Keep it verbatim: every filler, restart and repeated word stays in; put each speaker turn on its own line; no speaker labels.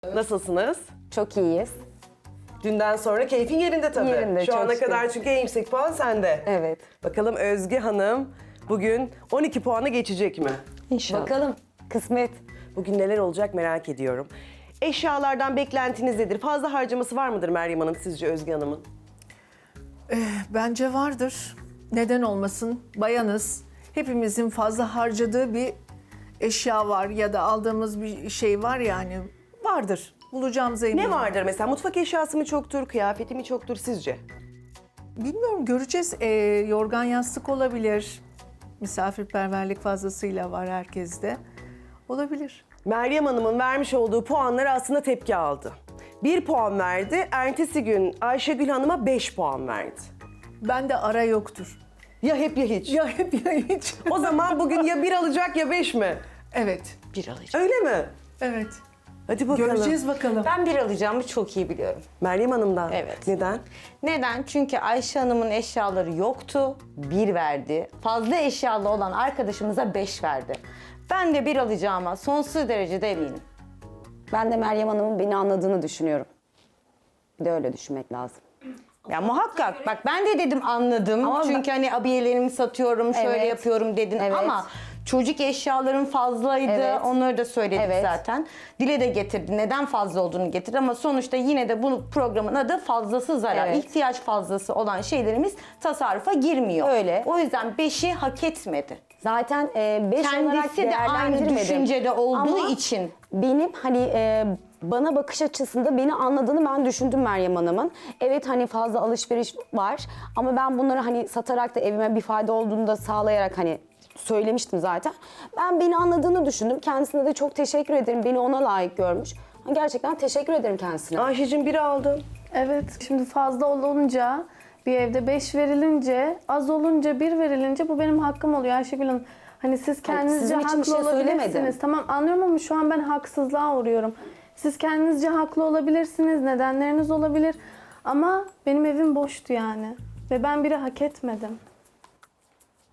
Nasılsınız?
Çok iyiyiz.
Dünden sonra keyfin yerinde tabii.
Yerinde,
Şu
çok
ana
şükür.
kadar çünkü en yüksek puan sende.
Evet.
Bakalım Özge Hanım bugün on iki puanı geçecek mi?
İnşallah. Bakalım. Kısmet.
Bugün neler olacak merak ediyorum. Eşyalardan beklentiniz nedir? Fazla harcaması var mıdır Meryem Hanım sizce Özge Hanım'ın?
Bence vardır. Neden olmasın? Bayanız. Hepimizin fazla harcadığı bir eşya var ya da aldığımız bir şey var yani. Vardır. Bulacağımıza eminim.
Ne vardır mesela? Mutfak eşyası mı çoktur, kıyafeti mi çoktur sizce?
Bilmiyorum, göreceğiz. Ee, yorgan yastık olabilir. Misafirperverlik fazlasıyla var herkeste. Olabilir.
Meryem Hanım'ın vermiş olduğu puanları aslında tepki aldı. Bir puan verdi, ertesi gün Ayşegül Hanım'a beş puan verdi.
Bende ara yoktur.
Ya hep ya hiç.
Ya hep ya hiç.
O zaman bugün ya bir alacak ya beş mi?
Evet.
Bir alacağım.
Öyle mi?
Evet.
Hadi bakalım.
Göreceğiz bakalım.
Ben bir alacağımı çok iyi biliyorum.
Meryem Hanım'dan.
Evet.
Neden?
Neden? Çünkü Ayşe Hanım'ın eşyaları yoktu, bir verdi. Fazla eşyalı olan arkadaşımıza beş verdi. Ben de bir alacağıma sonsuz derecede eminim.
Ben de Meryem Hanım'ın beni anladığını düşünüyorum. Bir de öyle düşünmek lazım.
Ya muhakkak. Bak ben de dedim anladım.
Ama
Çünkü hani abiyelerimi satıyorum, şöyle
Evet.
yapıyorum dedin
Evet.
ama çocuk eşyaların fazlaydı.
Evet.
Onları da söyledik
Evet.
zaten. Dile de getirdi. Neden fazla olduğunu getirdi ama sonuçta yine de bu programın adı fazlası zarar.
Evet.
İhtiyaç fazlası olan şeylerimiz tasarrufa girmiyor.
Öyle.
O yüzden beşi hak etmedi.
Zaten e, beş olarak
Kendisi de aynı
değerlendirmedim.
düşüncede olduğu
Ama
için.
benim hani e, bana bakış açısında beni anladığını ben düşündüm Meryem Hanım'ın. Evet hani fazla alışveriş var ama ben bunları hani satarak da evime bir fayda olduğunu da sağlayarak hani söylemiştim zaten. Ben beni anladığını düşündüm. Kendisine de çok teşekkür ederim. Beni ona layık görmüş. Gerçekten teşekkür ederim kendisine.
Ayşe'cim biri aldın.
Evet, şimdi fazla olunca, bir evde beş verilince, az olunca bir verilince bu benim hakkım oluyor Ayşegül Hanım. Hani siz kendinizce
sizin için bir
haklı
şey
olabilirsiniz.
söylemedim.
Tamam anlıyorum ama şu an ben haksızlığa uğruyorum. Siz kendinizce haklı olabilirsiniz, nedenleriniz olabilir. Ama benim evim boştu yani. Ve ben biri hak etmedim.